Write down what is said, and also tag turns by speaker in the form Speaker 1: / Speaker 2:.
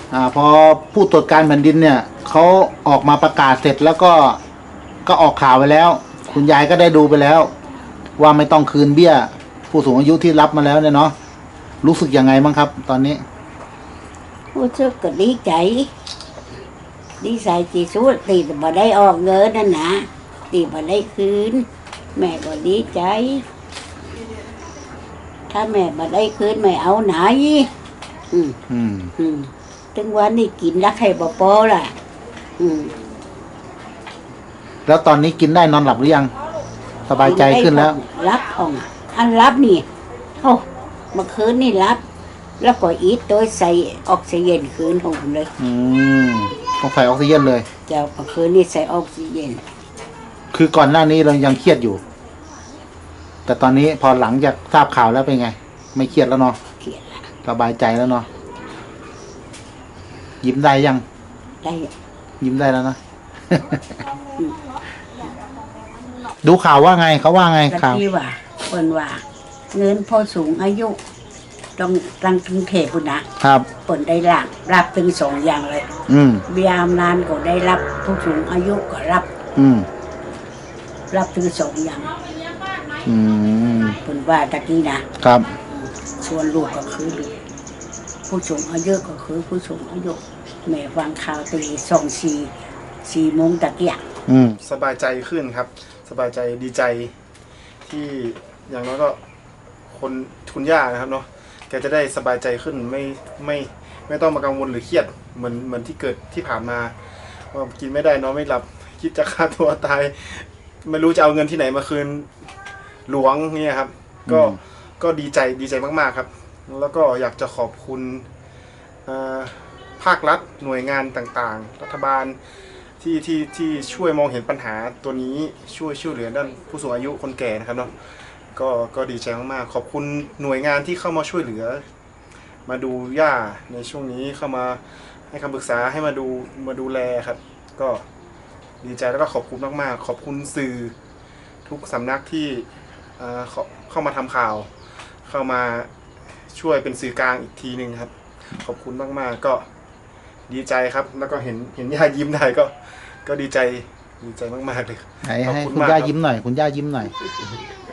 Speaker 1: พอผู้ตรวจการแผ่นดินเนี่ยเขาออกมาประกาศเสร็จแล้วก็ออกข่าวไปแล้ว คุณยายก็ได้ดูไปแล้ว ว่าไม่ต้องคืนเบี้ย ผู้สูงอายุที่รับมาแล้วเนี่ยเนาะรู้สึกยังไงบ้างครับ ตอนนี้
Speaker 2: รู้สึกก็ดีใจดีใจที่สุดตีแต่บ่ได้ออกเงินนั่นนะตีบ่ได้คืนแม่ก็ดีใจถ้าแม่บ่ได้คืนแม่เอาไหนถึงวันนี้กินรักให้บ่พอล่ะ
Speaker 1: แล้วตอนนี้กินได้นอนหลับหรือยังสบายใจขึ้นแล้ว
Speaker 2: รับของอันรับนี่เมื่อคืนนี่รับแล้วก็อีทโดยใส่ออกซิเจนคืนของผมเลย
Speaker 1: ต้องใส่ออกซิเจนเลย
Speaker 2: เจ้าเมื่อคืนนี่ใส่ออกซิเจน
Speaker 1: คือก่อนหน้านี้เรายังเครียดอยู่แต่ตอนนี้พอหลังจากทราบข่าวแล้วเป็นไงไม่เครียดแล้วเนาะ
Speaker 2: เครียดแล้ว
Speaker 1: สบายใจแล้วเนาะยิ้มได้ยัง
Speaker 2: ได้
Speaker 1: ยิ้มได้แล้วนะดูข่าวว่าไงเขาว่าไงข่าว
Speaker 2: ที่ว่าคนว่าเงินพอสูงอายุต้องตั้งกรุงเทพฯนะครับผลได้รับถึง2อย่างเลยเบี้ยบำนาญก็ได้รับผู้สูงอายุก็รับถึง2อย่างผลว่าตะกี้นะครับส่วนลูกก็คือลูกผู้สูงอายุก็คือผู้สูงอายุแม่ฟังข่าวตี4 โมงตะเกียก
Speaker 3: สบายใจขึ้นครับสบายใจดีใจที่อย่างน้อยก็คุณย่านะครับเนาะแกจะได้สบายใจขึ้นไม่ต้องมากังวลหรือเครียดเหมือนที่เกิดที่ผ่านมาว่ากินไม่ได้นอนไม่หลับคิดจะฆ่าตัวตายไม่รู้จะเอาเงินที่ไหนมาคืนหลวงเนี่ยครับก็ดีใจมากๆครับแล้วก็อยากจะขอบคุณภาครัฐหน่วยงานต่างๆรัฐบาลที่ช่วยมองเห็นปัญหาตัวนี้ช่วยเหลือด้านผู้สูงอายุคนแก่นะครับเนาะก็ดีใจมากๆขอบคุณหน่วยงานที่เข้ามาช่วยเหลือมาดูย่าในช่วงนี้เข้ามาให้คำปรึกษาให้มาดูแลครับก็ดีใจแล้วก็ขอบคุณมากๆขอบคุณสื่อทุกสำนักที่เข้ามาทำข่าวเข้ามาช่วยเป็นสื่อกลางอีกทีนึงครับขอบคุณมากๆก็ดีใจครับแล้วก็เห็นย่ายิ้มได้ก็ดีใจมากๆเลย
Speaker 1: ให้คุณย่ายิ้มหน่อยคุณย่ายิ้มหน่อย